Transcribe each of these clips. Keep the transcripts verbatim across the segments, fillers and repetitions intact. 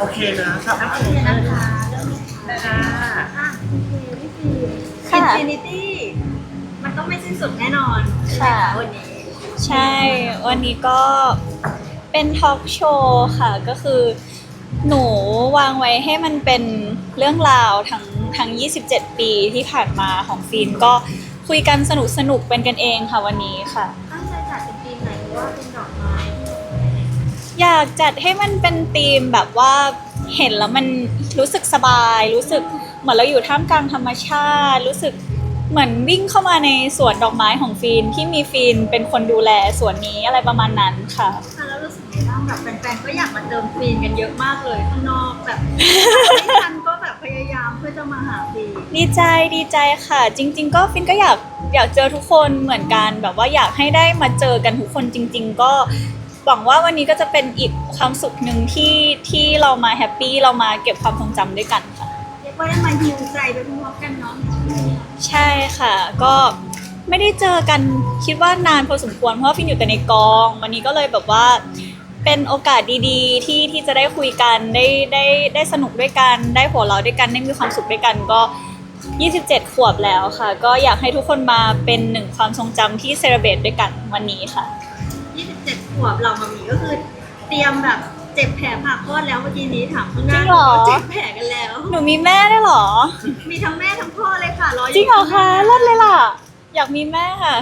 โอเคนะครับโอเคนะคะเริ่มเลยค่ะอ่ะโอเคพี่ฟีอินฟินิตี้มันต้องไม่สิ้นสุดแน่นอนใช่ไหมคะวันนี้ใช่วันนี้ก็เป็นทอล์กโชว์ค่ะก็คือหนูวางไว้ให้มันเป็นเรื่องราวทั้งทั้งยี่สิบเจ็ดปีที่ผ่านมาของฟิล์มก็คุยกันสนุกสนุกเป็นกันเองค่ะวันนี้ค่ะตั้งใจจัดเป็นธีมไหนหรือว่าเป็นดอกไม้อยากจัดให้มันเป็นธีมแบบว่าเห็นแล้วมันรู้สึกสบายรู้สึกเหมือนเราอยู่ท่ามกลางธรรมชาติรู้สึกเหมือนวิ่งเข้ามาในสวนดอกไม้ของฟินที่มีฟินเป็นคนดูแลสวนนี้อะไรประมาณนั้นค่ะแล้วรู้สึกไงบ้างแบบแฟนๆก็อยากมาเติมฟินกันเยอะมากเลยข้างนอกแบบไม่ทันก็แบบพยายามเพื่อจะมาหาฟินดีใจดีใจค่ะจริงๆก็ฟินก็อยากอยากเจอทุกคนเหมือนกันแบบว่าอยากให้ได้มาเจอกันทุกคนจริงๆก็หวังว่าวันนี้ก็จะเป็นอีกความสุขหนึ่งที่ที่เรามาแฮปปี้เรามาเก็บความทรงจำด้วยกันค่ะเรียกว่าได้มาฮิวใจไปพร้อมๆกันเนาะใช่ค่ะก็ไม่ได้เจอกันคิดว่านานพอสมควรเพราะว่าฟินอยู่แต่ในกองวันนี้ก็เลยแบบว่าเป็นโอกาสดีๆที่ที่จะได้คุยกันได้ได้ได้สนุกด้วยกันได้หัวเราะด้วยกันได้มีความสุขด้วยกันก็ยี่สิบเจ็ดขวบแล้วค่ะก็อยากให้ทุกคนมาเป็นหนึ่งความทรงจำที่เซเลบรตด้วยกันวันนี้ค่ะยี่สิบเจ็ดขวบเรามามีก็คือเตรียมแบบเจ็บแผลผ่าคลอดแล้วเมื่อกี้นี้ถามข้างหน้าเจ็บแผลกันแล้วหนูมีแม่ได้หรอมีทั้งแม่ทั้งพ่อเลยค่ะรออยู่จริงเหรอคะเลิศเลยล่ะอยากมีแม่ค่ะ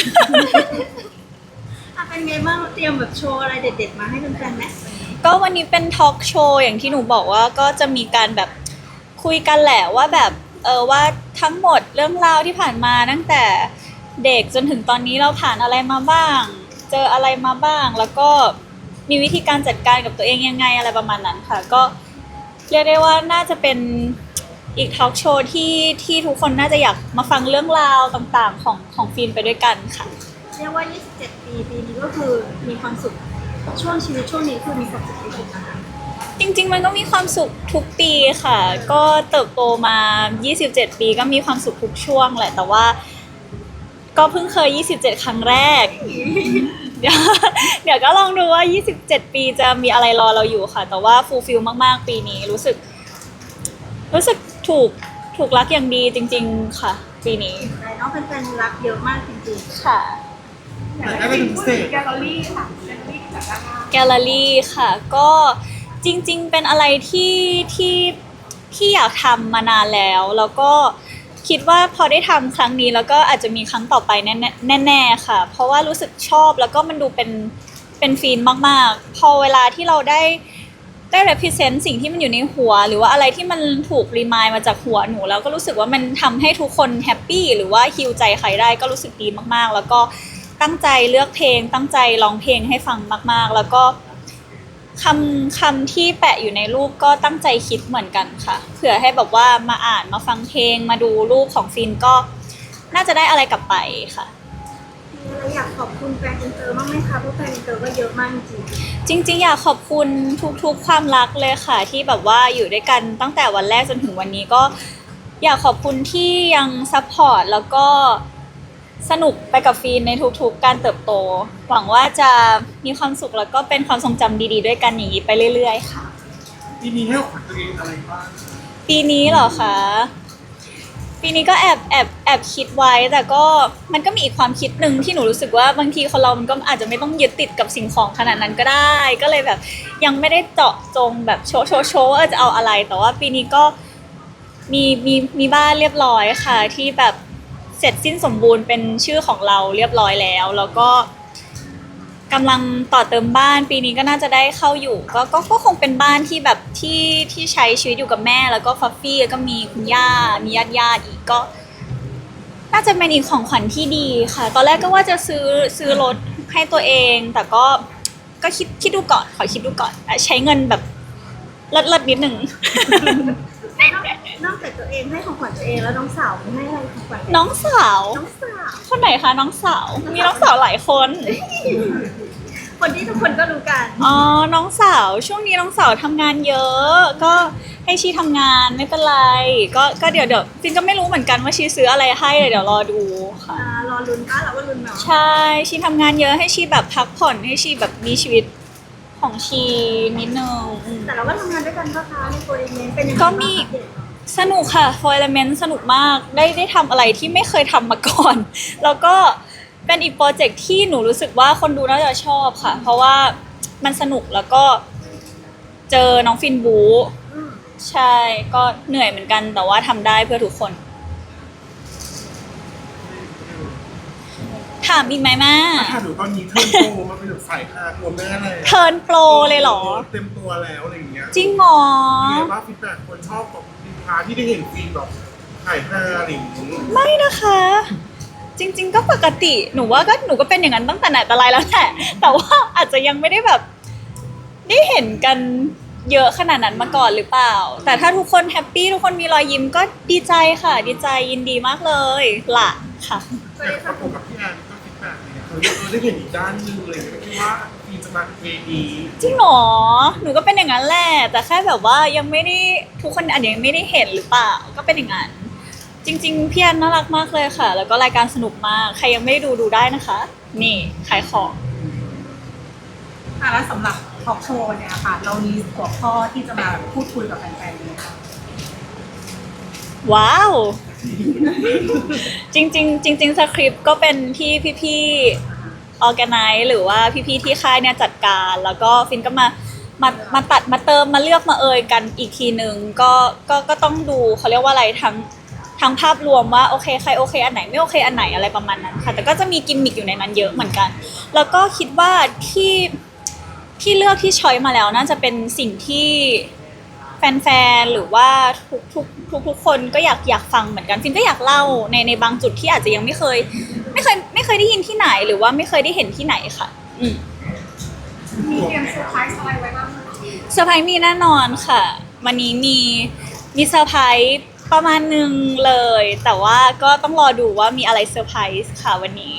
เป็นไงบ้างเตรียมแบบโชว์อะไรเด็ดๆมาให้แฟนๆไหมก็วันนี้เป็นทอล์กโชว์อย่างที่หนูบอกว่าก็จะมีการแบบคุยกันแหละว่าแบบเออว่าทั้งหมดเรื่องราวที่ผ่านมาตั้งแต่เด็กจนถึงตอนนี้เราผ่านอะไรมาบ้างเจออะไรมาบ้างแล้วก็มีวิธีการจัดการกับตัวเองยังไงอะไรประมาณนั้นค่ะก็เรียกได้ว่าน่าจะเป็นอีกทอล์กโชว์ที่ที่ทุกคนน่าจะอยากมาฟังเรื่องราวต่างๆของของฟิล์มไปด้วยกันค่ะเรียกว่ายี่สิบเจ็ดปีปีนี้ก็คือมีความสุขช่วงชีวิตช่วงนี้คือมีความสุขที่สุดนะคะจริงๆมันก็มีความสุขทุกปีค่ะก็เติบโตมายี่สิบเจ็ดปีก็มีความสุขทุกช่วงแหละแต่ว่าก็เพิ่งเคยยี่สิบเจ็ดครั้งแรกเดี๋ยวเดี๋ยวก็ลองดูว่ายี่สิบเจ็ดปีจะมีอะไรรอเราอยู่ค่ะแต่ว่าฟูลฟิลมากๆปีนี้รู้สึกรู้สึกถูกถูกรักอย่างดีจริงๆค่ะปีนี้ใช่น้องแฟนๆรักเยอะมากจริงๆค่ะอยากได้เป็นพิเศษแกลเลอรี่ค่ะแกลเลอรี่จากด้านหน้าแกลเลอรี่ค่ะก็จริงๆเป็นอะไรที่ที่ที่อยากทำมานานแล้วแล้วก็คิดว่าพอได้ทำครั้งนี้แล้วก็อาจจะมีครั้งต่อไปแน่แน่ๆค่ะเพราะว่ารู้สึกชอบแล้วก็มันดูเป็นเป็นฟีนมากๆพอเวลาที่เราได้ได้ represent สิ่งที่มันอยู่ในหัวหรือว่าอะไรที่มันถูกรีมายมาจากหัวหนูแล้วก็รู้สึกว่ามันทำให้ทุกคนแฮปปี้หรือว่าฮีลใจใครได้ก็รู้สึกดีมากๆแล้วก็ตั้งใจเลือกเพลงตั้งใจร้องเพลงให้ฟังมากๆแล้วก็คำคำที่แปะอยู่ในรูปก็ตั้งใจคิดเหมือนกันค่ะเผื่อให้แบบว่ามาอ่านมาฟังเพลงมาดูรูปของฟินก็น่าจะได้อะไรกลับไปค่ะเราอยากขอบคุณแฟนอินเตอร์มากไหมคะเพราะแฟนอินเตอร์ก็เยอะมากจริงจริงๆอยากขอบคุณทุกๆความรักเลยค่ะที่แบบว่าอยู่ด้วยกันตั้งแต่วันแรกจนถึงวันนี้ก็อยากขอบคุณที่ยังซัพพอร์ตแล้วก็สนุกไปกับฟีนในทุกๆการเติบโตหวังว่าจะมีความสุขแล้วก็เป็นความทรงจำดีๆด้วยกันอย่างนี้ไปเรื่อยๆค่ะปีนี้ให้ขวัญตัวเองอะไรบ้างปีนี้เหรอคะปีนี้ก็แอบแอบแอบคิดไว้แต่ก็มันก็มีอีกความคิดหนึ่งที่หนูรู้สึกว่าบางทีคนเรามันก็อาจจะไม่ต้องยึดติดกับสิ่งของขนาดนั้นก็ได้ก็เลยแบบยังไม่ได้เจาะจงแบบโชว์โชว์โชว์ว่าจะเอาอะไรแต่ว่าปีนี้ก็มีมีมีบ้านเรียบร้อยค่ะที่แบบเสร็จสิ้นสมบูรณ์เป็นชื่อของเราเรียบร้อยแล้วแล้วก็กำลังต่อเติมบ้านปีนี้ก็น่าจะได้เข้าอยู่ก็ก็ก็คงเป็นบ้านที่แบบที่ที่ใช้ชีวิตอยู่กับแม่แล้วก็ฟอฟฟี่แล้วก็มีคุณย่ามีญาติญาติอีกก็น่าจะเป็นอีกของขวัญที่ดีค่ะตอนแรกก็ว่าจะซื้อซื้อรถให้ตัวเองแต่ก็ก็คิดคิดดูก่อนขอคิดดูก่อนใช้เงินแบบเลิศเลิศนิดหนึ่งนอกจากตัวเองให้ของขวัญตัวเองแล้วน้องสาวให้อะไรของขวัญน้องสาวน้องสาวคนไหนคะน้องสาวมีน้องสาวหลายคนคนที่ทุกคนก็รู้กันอ๋อน้องสาวช่วงนี้น้องสาวทำงานเยอะก็ให้ชีทำงานไม่เป็นไรก็ก็เดี๋ยวเดี๋ยวฟินก็ไม่รู้เหมือนกันว่าชีซื้ออะไรให้เดี๋ยวรอดูค่ะรอลุ้นป้าเราก็ลุ้นเนาะใช่ชีทำงานเยอะให้ชีแบบพักผ่อนให้ชีแบบมีชีวิตของชีนิดนึงอืมแต่เราก็ทำงานด้วยกันก็คะในโปรเจกต์เป็นยังไงก็มีบ้างคะสนุกค่ะ For Element สนุกมากได้ได้ทำอะไรที่ไม่เคยทำมาก่อน แล้วก็เป็นอีกโปรเจกต์ที่หนูรู้สึกว่าคนดูน่าจะชอบค่ะ เพราะว่ามันสนุกแล้วก็เจอน้องฟินบูอืมใช่ก็เหนื่อยเหมือนกันแต่ว่าทำได้เพื่อทุกคน ถามอีกไหมแม่ถ้าหนูตอนนี้เทิร์นโปรมาเป็นแบบสายฮาตัวแม่เลยเทิร์นโปรเลยเหรอเต็มตัวแล้วอะไรอย่างเงี้ยจริงเหรอมีอะไรบ้างฟีดแบ็กคนชอบกับสินค้าที่ได้เห็นฟีดแบบถ่ายฮาอะไรอย่างเงี้ยไม่นะคะ จริง ๆ ก็ปกติหนูว่าก็หนูก็เป็นอย่างนั้นตั้งแต่ไหนแต่ไรแล้วแหละแต่ว่าอาจจะยังไม่ได้แบบได้เห็นกันเยอะขนาดนั้นมาก่อนหรือเปล่า แต่ถ้าทุกคนแฮปปี้ทุกคนมีรอยยิ้มก็ดีใจค่ะ ดีใจยินดีมากเลยล่ะค่ะแต่ประกบกับพี่แอนก็ฟีดแบ็กเนี่ยเขาเออได้เห็นอีกด้านหนึงเลยไม่คิดว่าฟีนจะมาเวดีจริงเหรอหนูก็เป็นอย่างนั้นแหละแต่แค่แบบว่ายังไม่ได้ทุกคนอาจจะยังไม่ได้เห็นหรือเปล่าก็เป็นอย่างนั้นจริงๆพี่แอนน่ารักมากเลยค่ะ แล้วก็รายการสนุกมากใครยังไม่ได้ดูดูได้นะคะ นี่ขายของอ่ะแล้วสำหรับทอล์กโชว์เนี่ยค่ะ เรามีหัวข้อที่จะมาพูดคุยกับแฟนๆเลยค่ะว้าว จริงๆจริงๆสคริปต์ก็เป็นที่พี่ๆออแกไนซ์หรือว่าพี่ๆที่ค่ายเนี่ยจัดการ แล้วก็ฟินก็มามามาตัดมาเติมมาเลือกมาเอยกันอีกทีหนึ่งก็ก็ก็ต้องดูเขาเรียกว่าอะไรทั้งทั้งภาพรวมว่าโอเคใครโอเคอันไหนไม่โอเคอันไหนอะไรประมาณนั้นค่ะแต่ก็จะมีกิมมิคอยู่ในนั้นเยอะเหมือนกัน แล้วก็คิดว่าที่ที่เลือกที่ช้อยมาแล้วน่าจะเป็นสิ่งที่แฟนๆหรือว่าทุกทุกทุกทุกคนก็อยากอยากฟังเหมือนกันฟินก็อยากเล่าในในบางจุดที่อาจจะยังไม่เคย ไม่เคยไม่เคยได้ยินที่ไหนหรือว่าไม่เคยได้เห็นที่ไหนค่ะ อืมมีเตรียมเซอร์ไพรส์อะไรไว้บ้างคะเซอร์ไพรส์มีแน่นอนค่ะ วันนี้มีมีเซอร์ไพรส์ประมาณหนึงเลย แต่ว่าก็ต้องรอดูว่ามีอะไรเซอร์ไพรส์ค่ะวันนี้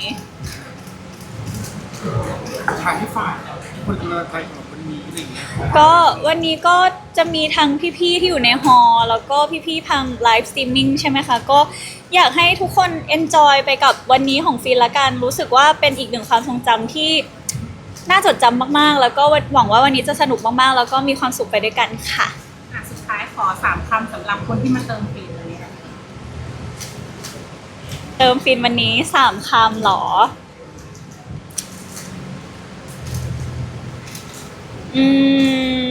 ทางที่ฝ่ายคนกำลังใจของวันนี้อะไรอย่างเงี้ยก็วันนี้ก็จะมีทั้งพี่ๆที่อยู่ในฮอลล์แล้วก็พี่ๆทางไลฟ์สตรีมมิ่งใช่ไหมคะ ก็อยากให้ทุกคนเอนจอยไปกับวันนี้ของฟินละกัน รู้สึกว่าเป็นอีกหนึ่งความทรงจำที่น่าจดจำมากๆ แล้วก็หวังว่าวันนี้จะสนุกมากๆ แล้วก็มีความสุขไปด้วยกันค่ะอ่ะสุดท้ายขอสามคำสำหรับคนที่มาเติมฟรีเลยค่ะเติมฟินวันนี้สามคำเหรอ อืม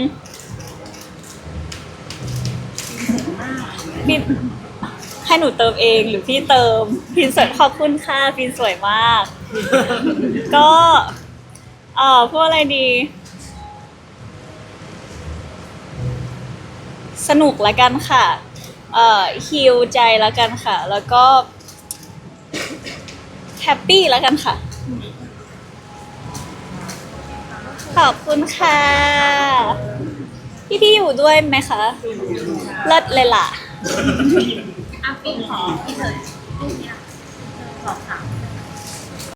ฟินให้หนูเติมเองหรือพี่เติมฟินสวยขอบคุณค่ะฟินสวยมาก ก็เอ่อพูดอะไรดี สนุกละกันค่ะ เอ่อฮิลใจละกันค่ะ แล้วก็แฮปปี้ละกันค่ะ ขอบคุณค่ะ พี่พี่ๆอยู่ด้วยไหมคะ เลิศเลยล่ะอ่ะฟินขอพี่เถิดรูปเนี้ยสองสาม